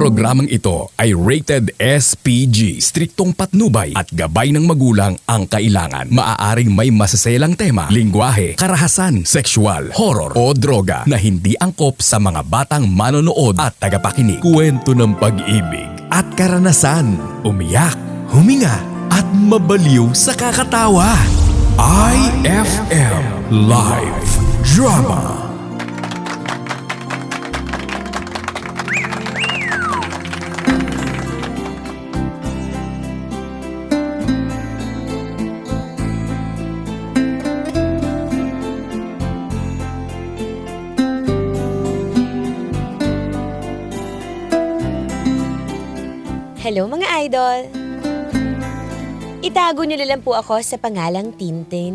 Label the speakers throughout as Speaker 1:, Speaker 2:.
Speaker 1: programang ito ay rated SPG, striktong patnubay at gabay ng magulang ang kailangan. Maaaring may masaselang tema, lingwahe, karahasan, sexual, horror o droga na hindi angkop sa mga batang manonood at tagapakinig. Kwento ng pag-ibig at karanasan, umiyak, huminga at mabaliw sa kakatawa. IFM Live Drama.
Speaker 2: Hello mga idol! Itago niyo na lang po ako sa pangalang Tintin.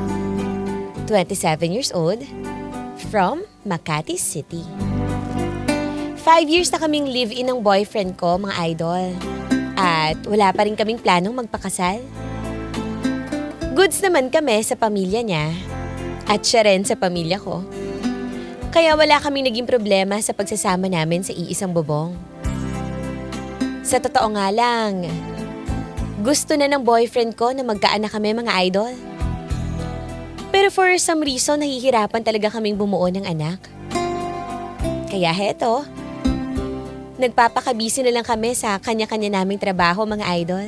Speaker 2: 27 years old, from Makati City. 5 years na kaming live-in ng boyfriend ko, mga idol. At wala pa rin kaming planong magpakasal. Goods naman kami sa pamilya niya. At siya rin sa pamilya ko. Kaya wala kaming naging problema sa pagsasama namin sa iisang bubong. Sa totoo nga lang, gusto na ng boyfriend ko na magkaanak kami mga idol. Pero for some reason, nahihirapan talaga kaming bumuo ng anak. Kaya heto, nagpapakabisi na lang kami sa kanya-kanya naming trabaho mga idol.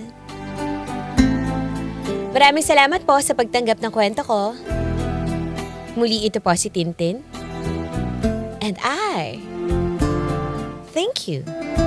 Speaker 2: Maraming salamat po sa pagtanggap ng kwento ko. Muli ito po si Tintin. And I thank you.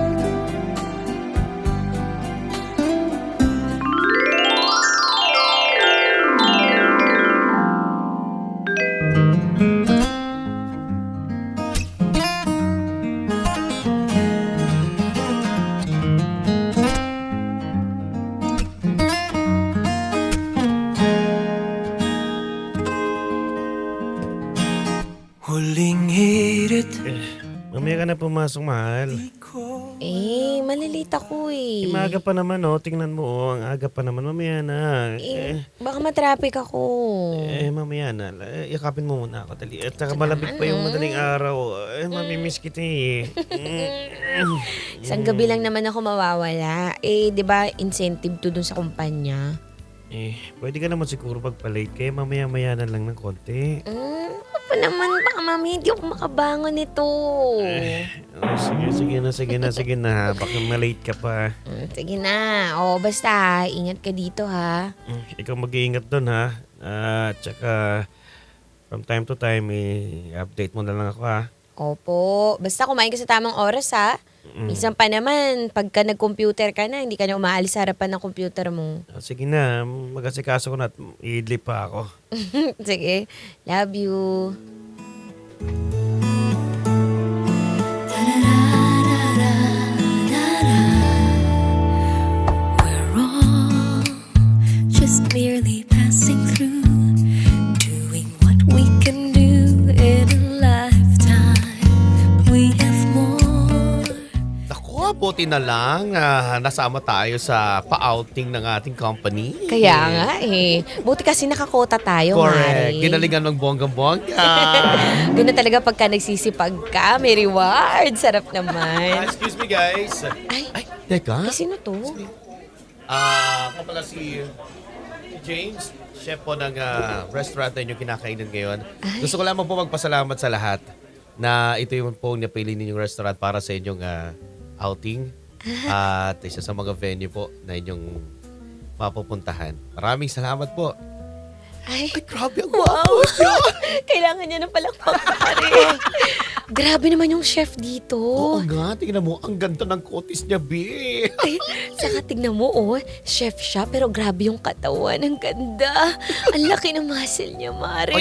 Speaker 3: Huling hirit.
Speaker 4: Mamaya ka na pumasok, mahal.
Speaker 2: Malilate ako eh.
Speaker 4: Maaga pa naman, oh. Tingnan mo, oh. Ang aga pa naman. Mamaya na.
Speaker 2: Baka matraffic ako.
Speaker 4: Mamaya na. Yakapin mo muna ako, dali. At saka malamig pa yung madaling araw. Mamimiss kita eh.
Speaker 2: Isang gabi lang naman ako mawawala. Di ba incentive to dun sa kumpanya?
Speaker 4: Pwede ka naman siguro pagpa-late. Kaya mamaya-maya na lang ng konti.
Speaker 2: Apa naman, baka mami, hindi ako makabangon nito.
Speaker 4: Sige na. Baka malate ka pa.
Speaker 2: Sige na. Basta, ingat ka dito ha.
Speaker 4: Ikaw mag-iingat doon, ha? Tsaka, from time to time, update mo na lang ako, ha?
Speaker 2: Opo. Basta kumain ka sa tamang oras ha. Minsan pa naman, pagka nag-computer ka na, hindi ka na umaalis sa harapan ng computer mo.
Speaker 4: Sige na, mag-asikaso ko na at i-idlip pa ako.
Speaker 2: Sige. Love you.
Speaker 5: We're all just merely passing through, doing what we can do in a lifetime. We have more.
Speaker 6: Naku, buti na lang nasama tayo sa pa-outing ng ating company.
Speaker 2: Kaya nga buti kasi nakakota tayo,
Speaker 6: Correct.
Speaker 2: Mari.
Speaker 6: Ginalingan ng bonggang-bongga.
Speaker 2: Doon na talaga pagka nagsisipag ka, may reward. Sarap naman.
Speaker 6: Excuse me, guys.
Speaker 2: Ay,
Speaker 6: Teka.
Speaker 2: sino to?
Speaker 6: Ako pala si James, chef po ng restaurant na inyong kinakainan ngayon. Gusto ko lamang po magpasalamat sa lahat na ito yung po napili ninyong restaurant para sa inyong outing. At isa sa mga venue po na inyong mapupuntahan. Maraming salamat po.
Speaker 2: Ay,
Speaker 6: Grabe ang
Speaker 2: wow! Kailangan niya ng palakpak, Grabe naman yung chef dito.
Speaker 6: Oo nga, tingnan mo, ang ganda ng kutis niya, B.
Speaker 2: Ay, saka tignan mo, chef siya, pero grabe yung katawan. Ang ganda. Ang laki ng muscle niya, Mari.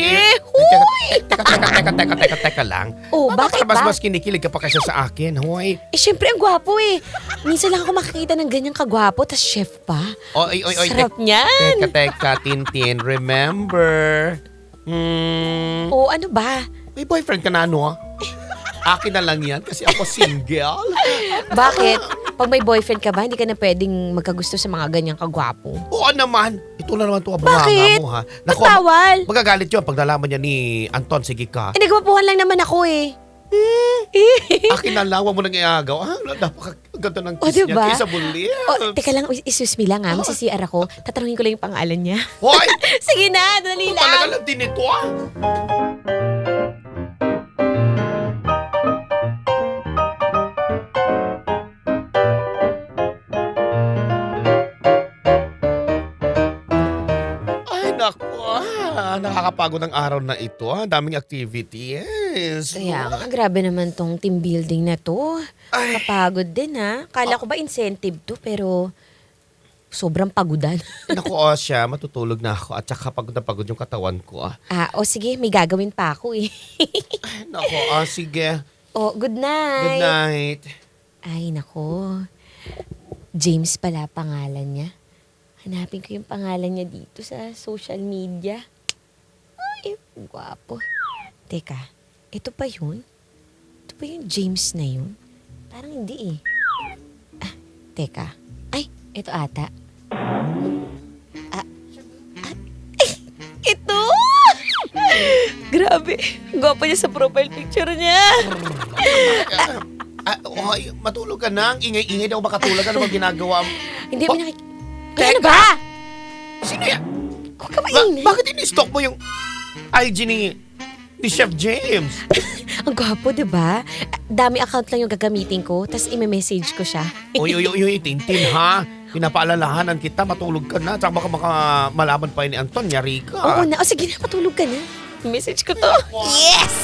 Speaker 6: Teka lang.
Speaker 2: Bakit ba?
Speaker 6: Mas kinikilig ka pa kasi sa akin, hoy.
Speaker 2: Syempre, ang gwapo Minsan lang ako makikita ng ganyang kagwapo, tas chef pa.
Speaker 6: Oy,
Speaker 2: Sarap niyan.
Speaker 6: Teka, Tintin, remember?
Speaker 2: Ano ba?
Speaker 6: May boyfriend ka na, no? Akin na lang yan kasi ako single.
Speaker 2: Bakit? Pag may boyfriend ka ba, hindi ka na pwedeng magkagusto sa mga ganyang kagwapo?
Speaker 6: Oo naman. Ito na naman ito ang bunganga mo, ha?
Speaker 2: Ba't bawal?
Speaker 6: Magagalit yun pag nalaman niya ni Anton. Sige ka.
Speaker 2: Nagwapuhan lang naman ako
Speaker 6: Akin na lawa mo nang iagaw. Napakaganda ng
Speaker 2: O,
Speaker 6: kiss niya.
Speaker 2: diba?
Speaker 6: Kiss sa bulips.
Speaker 2: Oh, teka lang, excuse me lang ha. Magsi-CR ako. Tatanungin ko lang yung pangalan niya.
Speaker 6: Hoy!
Speaker 2: Sige na, dali
Speaker 6: Talaga
Speaker 2: lang.
Speaker 6: lang din ito ah. Ay, naku nakakapagod ang araw na ito ah. Ang daming activities.
Speaker 2: Kaya nga, grabe naman tong team building na to.
Speaker 6: Ay.
Speaker 2: Kapagod din ha. Kala ko ba incentive to, pero sobrang pagudan.
Speaker 6: Naku, siya, matutulog na ako at saka pagod na pagod yung katawan ko ah.
Speaker 2: Sige, may gagawin pa ako eh.
Speaker 6: Naku, sige.
Speaker 2: Good night.
Speaker 6: Good night.
Speaker 2: Ay, nako. James pala pangalan niya. Hanapin ko yung pangalan niya dito sa social media. Ay, gwapo. Teka, ito pa yun? Ito pa yung James na yun? Parang hindi eh. Teka. Ay, ito ata. Ito! Grabe. Gwapo niya sa profile picture niya.
Speaker 6: Matulog ka na. Ang ingay-ingay daw makatulog. Ano bang ginagawa mo?
Speaker 2: Hindi mo nakik...
Speaker 6: Teka.
Speaker 2: Ano ba?
Speaker 6: Sino yan?
Speaker 2: Huwag ka mainit.
Speaker 6: Bakit ini-stalk mo yung IG ni Chef James?
Speaker 2: Ang gwapo, diba? Dami account lang yung gagamitin ko, tapos i-message ko siya.
Speaker 6: Uy, Tintin ha. Pinapaalalahanan kita, matulog ka na. Tsaka baka malaman pa ni Anton, yari ka.
Speaker 2: Oo na. Sige na, patulog ka na. I-message ko to. Yes!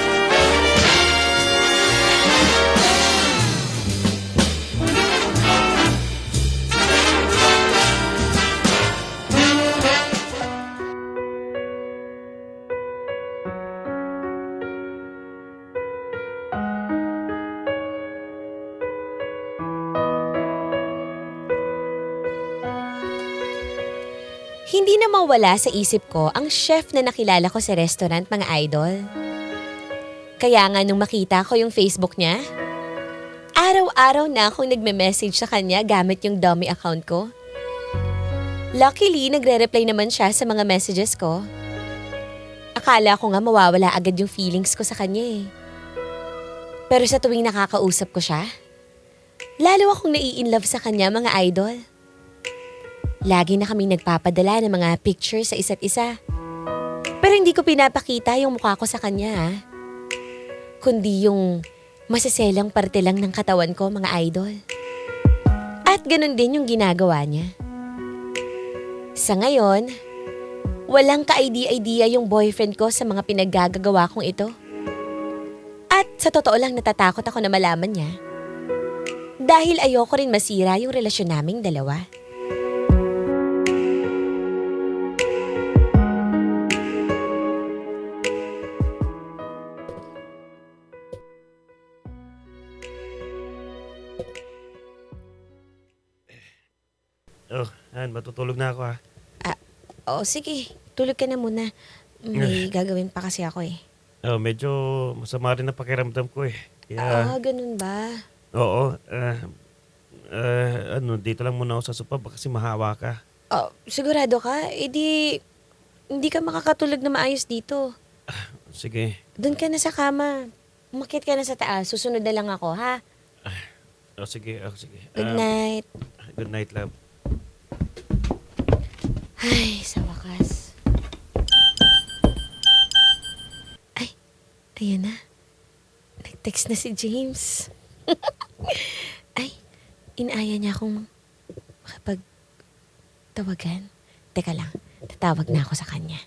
Speaker 2: Hindi na mawala sa isip ko ang chef na nakilala ko sa restaurant, mga idol. Kaya nga nung makita ko yung Facebook niya, araw-araw na akong nagme-message sa kanya gamit yung dummy account ko. Luckily, nagre-reply naman siya sa mga messages ko. Akala ko nga mawawala agad yung feelings ko sa kanya eh. Pero sa tuwing nakakausap ko siya, lalo akong nai-inlove sa kanya, mga idol. Lagi na kaming nagpapadala ng mga pictures sa isa't isa. Pero hindi ko pinapakita yung mukha ko sa kanya ha. Kundi yung masaselang parte lang ng katawan ko, mga idol. At ganun din yung ginagawa niya. Sa ngayon, walang ka-idea-idea yung boyfriend ko sa mga pinaggagawa kong ito. At sa totoo lang natatakot ako na malaman niya. Dahil ayoko rin masira yung relasyon naming dalawa.
Speaker 4: Matutulog na ako ha.
Speaker 2: Sige. Tulog ka na muna. May gagawin pa kasi ako eh.
Speaker 4: Medyo masama rin ang pakiramdam ko eh. Kaya,
Speaker 2: Ganun ba?
Speaker 4: oo. Dito lang muna ako sa sopa baka kasi mahawa ka.
Speaker 2: Sigurado ka? Hindi ka makakatulog na maayos dito.
Speaker 4: Sige.
Speaker 2: Doon ka na sa kama. Umakyat ka na sa taas. Susunod na lang ako, ha?
Speaker 4: Sige.
Speaker 2: Good night.
Speaker 4: Good night, love.
Speaker 2: Ay, sa wakas. Ay, ayan na. Nag-text na si James. Ay, inaaya niya akong makapagtawagan. Teka lang, tatawag na ako sa kanya.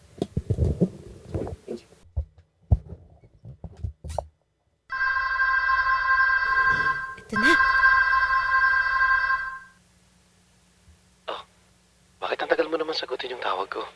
Speaker 2: Ito na.
Speaker 6: Bakit ang tagal mo naman sagutin yung tawag ko?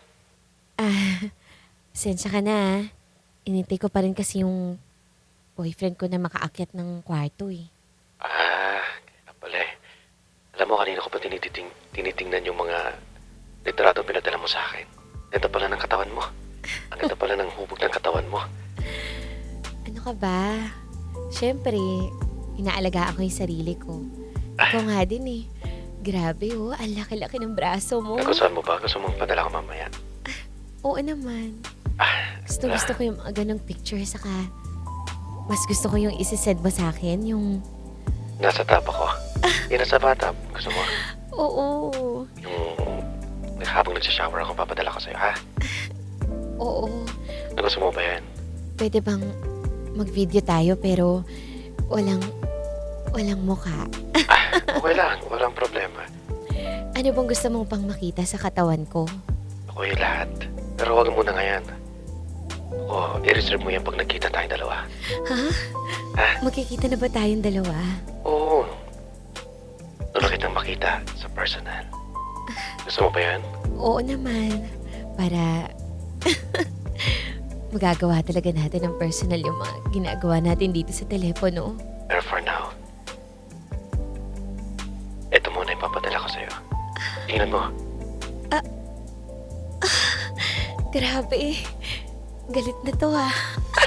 Speaker 2: Sensya ka na. Inintay ko pa rin kasi yung boyfriend ko na makaakyat ng kwarto eh.
Speaker 6: Kaya pala eh. Alam mo, kanina ko pa tinitingnan yung mga litrato pinadala mo sa akin. Ganda pala ng katawan mo. Ang ganda pala ng hubog ng katawan mo.
Speaker 2: Ano ka ba? Siyempre, inaalagaan ko yung sarili ko. Ikaw nga din eh. Grabe ang laki-laki ng braso mo.
Speaker 6: Nagustuhan mo ba? Gusto mong padala ko mamaya?
Speaker 2: Oo naman. Gusto ko yung mga ganong picture saka mas gusto ko yung isi-send mo sa akin, yung...
Speaker 6: Nasa tab ako. Yan nasa bathtub. Gusto mo?
Speaker 2: Oo.
Speaker 6: Yung habang nagsashower ako, papadala ko sa'yo, ha?
Speaker 2: Oo.
Speaker 6: Gusto mo ba yan?
Speaker 2: Pwede bang mag-video tayo pero walang mukha?
Speaker 6: Okay lang. Walang problema.
Speaker 2: Ano bang gusto mong pang makita sa katawan ko?
Speaker 6: Okay lahat. Pero huwag muna ngayon. Oo, i-reserve mo yan pag nagkita tayong dalawa.
Speaker 2: Ha?
Speaker 6: Ha?
Speaker 2: Magkikita na ba tayong dalawa?
Speaker 6: Oo. Gusto kitang makita sa personal. Gusto mo ba yan?
Speaker 2: Oo naman. Para magagawa talaga natin ng personal yung mga ginagawa natin dito sa telepono.
Speaker 6: Pero for now, eto muna yung papadala ko sa'yo. Tingnan mo.
Speaker 2: Grabe. Galit na to ah.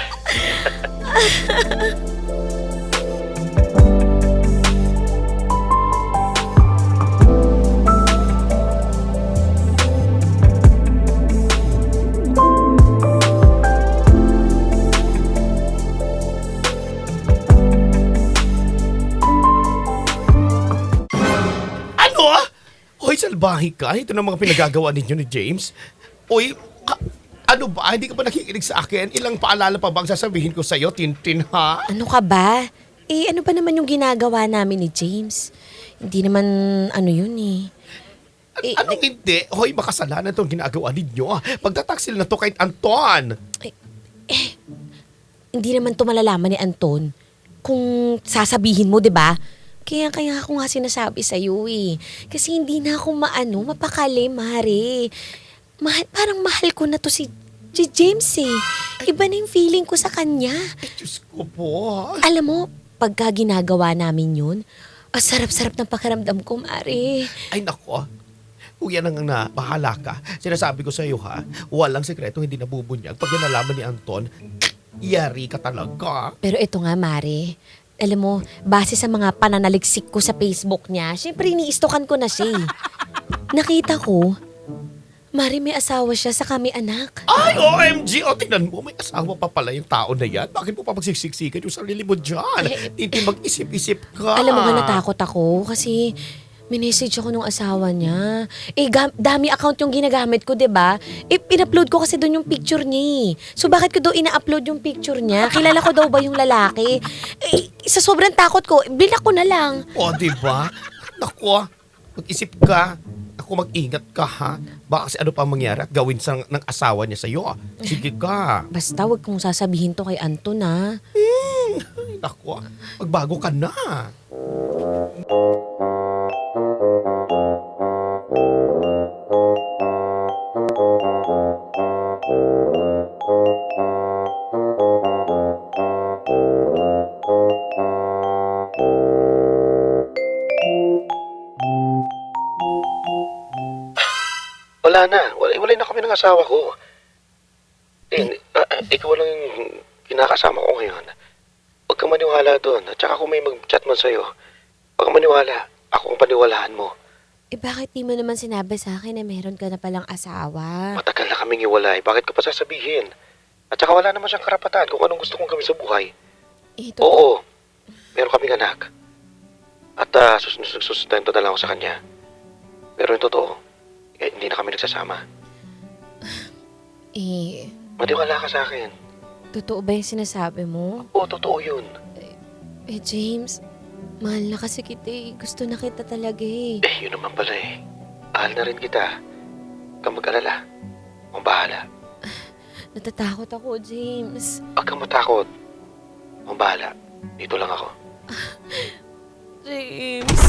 Speaker 6: Ano? Hoy, salbahe ka. Ito na mga pinagagawa ninyo ni James. Hoy, ano ba? Hindi ka ba nakikinig sa akin? Ilang paalala pa bang sasabihin ko sa'yo, Tintin, ha?
Speaker 2: Ano ka ba? Ano pa naman yung ginagawa namin ni James? Hindi naman ano yun eh.
Speaker 6: Anong hindi? Hoy, makasalanan itong ginagawa ninyo. Pagtataksil na to kay Anton.
Speaker 2: Hindi naman to malalaman ni Anton kung sasabihin mo, 'di ba? Kaya ako nga sinasabi sa iyo eh. Kasi hindi na ako mapakali, Mare. Parang mahal ko na to si James eh. Iba na yung feeling ko sa kanya.
Speaker 6: Ay, Diyos ko po.
Speaker 2: Alam mo, pagka ginagawa namin yun, sarap-sarap ng pakiramdam ko, Mare.
Speaker 6: Ay, nako. Kung yan ang bahala ka, sinasabi ko sa iyo ha, walang sekreto hindi nabubunyag. Pag yan nalaman ni Anton, yari ka talaga.
Speaker 2: Pero ito nga, Mare. Alam mo, base sa mga pananaliksik ko sa Facebook niya, syempre iniistokan ko na siya eh. Nakita ko, Mare, may asawa siya sa kami anak.
Speaker 6: Ay, OMG! O, tingnan mo, may asawa pa pala yung tao na yan. Bakit mo pa magsiksiksikan yung sarili mo dyan? Tintin, mag-isip-isip ka.
Speaker 2: Alam mo ba, natakot ako kasi minessage ako nung asawa niya. Dami account yung ginagamit ko, 'di ba? Pin-upload ko kasi doon yung picture niya. So bakit ko daw ina-upload yung picture niya? Kilala ko daw ba yung lalaki? Sa sobrang takot ko, binak ko na lang.
Speaker 6: O, diba? Naku, mag-isip ka. Ako, mag-ingat ka, ha? Baka kasi ano pa mangyari at gawin ng asawa niya sa'yo. Sige ka.
Speaker 2: Basta wag kong sasabihin to kay Anton, ha?
Speaker 6: Naku, magbago ka na. Wala na. Wala na kami ng asawa ko. Ikaw lang yung kinakasama ko ngayon. Huwag kang maniwala doon. At saka kung may mag-chat man sa'yo, huwag kang maniwala. Ako ang paniwalaan mo.
Speaker 2: Bakit di mo naman sinabi sa akin na meron ka na palang asawa?
Speaker 6: Matagal na kaming iwalay. Bakit ka pa sasabihin? At saka wala naman siyang karapatan kung anong gusto kong gawin sa buhay. Oo. Meron kaming anak. At susustento na lang ako sa kanya. Pero yung totoo, hindi na kami nagsasama. Matiwala ka sa akin.
Speaker 2: Totoo ba yung sinasabi mo?
Speaker 6: Oo, totoo yun.
Speaker 2: James, mahal na kasi kita eh. Gusto na kita talaga eh.
Speaker 6: Yun naman pala eh. Mahal na rin kita. Huwag kang mag-alala. Ang bahala.
Speaker 2: Natatakot ako, James.
Speaker 6: Huwag kang matakot. Ang bahala. Dito lang ako.
Speaker 2: James.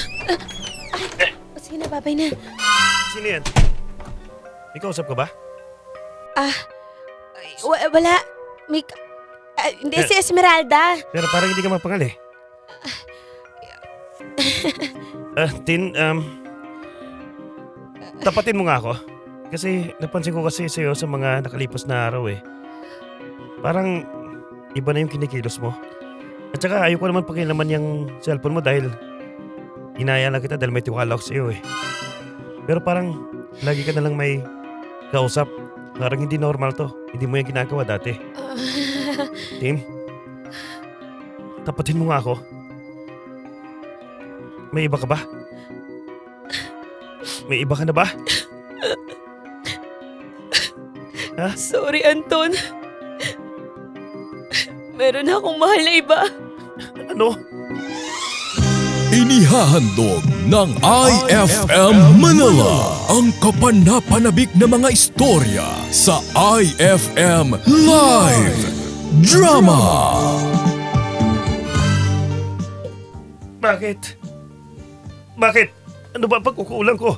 Speaker 2: Sige na, babay na.
Speaker 4: Sino yan? May kausap ka ba?
Speaker 2: Wala. Hindi, si Esmeralda.
Speaker 4: Pero parang hindi ka mapangal eh. Tin, tapatin mo nga ako. Kasi napansin ko kasi sa'yo sa mga nakalipas na araw eh. Parang iba na yung kinikilos mo. At saka ayoko naman pakilaman yung cellphone mo dahil inaya lang kita dahil may tiwala ko sa'yo eh. Pero parang lagi ka na lang may kausap. Parang hindi normal to. Hindi mo yung ginagawa dati. Tim? tapatin mo nga ako. May iba ka ba? May iba ka na ba?
Speaker 2: Sorry, Anton. Meron akong mahal na iba.
Speaker 4: Ano?
Speaker 1: Inihahandog ng IFM Manila ang kapanapanabik na mga istorya sa IFM Live Drama.
Speaker 4: Bakit? Bakit? Ano ba pagkukulang ko?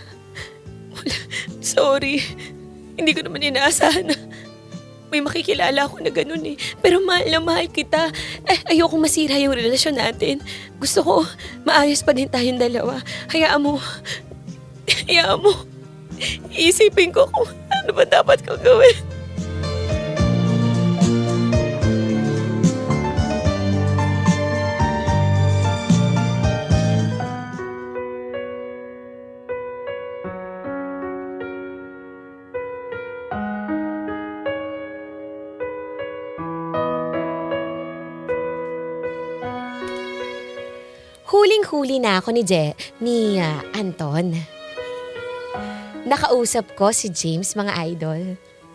Speaker 2: Sorry. Hindi ko naman inaasahan na may makikilala ako na ganun eh. Pero mahal na mahal kita. Ayoko masira yung relasyon natin. Gusto ko maayos pa din tayong dalawa. Hayaan mo. Hayaan mo. Iisipin ko kung ano ba dapat kong gawin. Huling-huli na ako ni Anton. Nakausap ko si James, mga idol.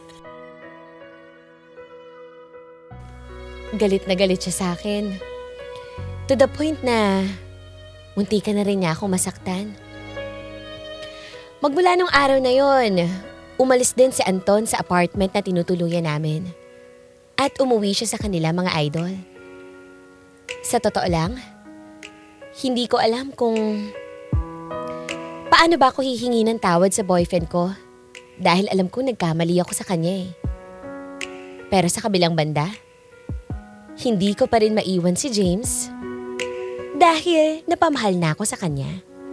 Speaker 2: Galit na galit siya sa akin. To the point na munti ka na rin niya ako masaktan. Magmula nung araw na yon, umalis din si Anton sa apartment na tinutuluyan namin. At umuwi siya sa kanila, mga idol. Sa totoo lang, hindi ko alam kung paano ba ako hihingi ng tawad sa boyfriend ko dahil alam ko nagkamali ako sa kanya eh. Pero sa kabilang banda, hindi ko pa rin maiwan si James dahil napamahal na ako sa kanya.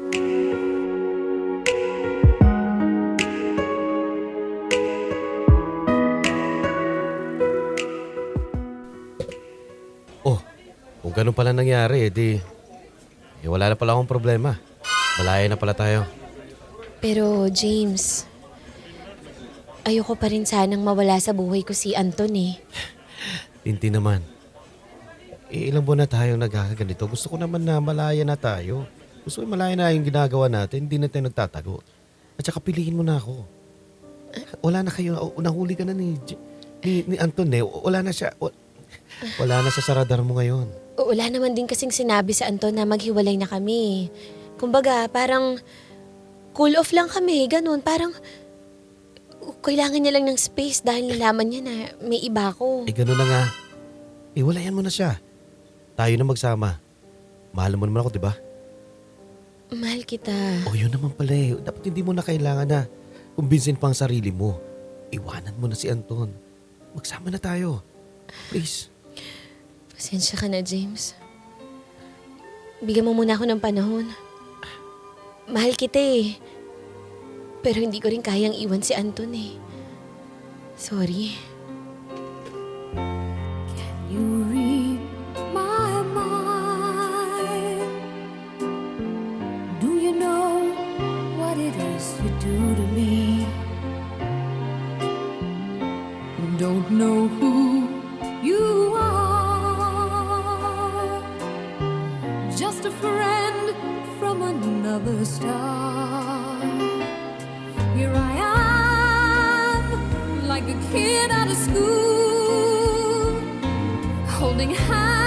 Speaker 6: Oh, kung ganun pala nangyari, wala na pala akong problema. Malaya na pala tayo.
Speaker 2: Pero James, ayoko pa rin sanang mawala sa buhay ko si Anton eh.
Speaker 6: Tinti naman. Ilang buwan na tayong nagkakaganito. Gusto ko naman na malaya na tayo. Gusto ko malaya na yung ginagawa natin. Hindi na tayo nagtatago. At saka piliin mo na ako. Wala na kayo. Nahuli ka na ni Anton eh. Wala na siya. Wala na sa radar mo ngayon.
Speaker 2: Wala naman din kasing sinabi sa Anton na maghiwalay na kami. Kumbaga, parang cool off lang kami, ganun. Parang kailangan niya lang ng space dahil nalaman niya na may iba ko.
Speaker 6: Ganun na nga. Walayan mo na siya. Tayo na magsama. Mahal mo naman ako, di ba?
Speaker 2: Mahal kita.
Speaker 6: Yun naman pala eh. Dapat hindi mo na kailangan na kumbinsin pa ang sarili mo. Iwanan mo na si Anton. Magsama na tayo. Please.
Speaker 2: Pasensya ka na, James. Bigyan mo muna ako ng panahon. Mahal kita eh. Pero hindi ko rin kayang iwan si Anton eh. Sorry.
Speaker 5: You read my mind. Do you know what it is you do to me? Don't know who you are. Just a friend from another star. Here I am, like a kid out of school, holding hands.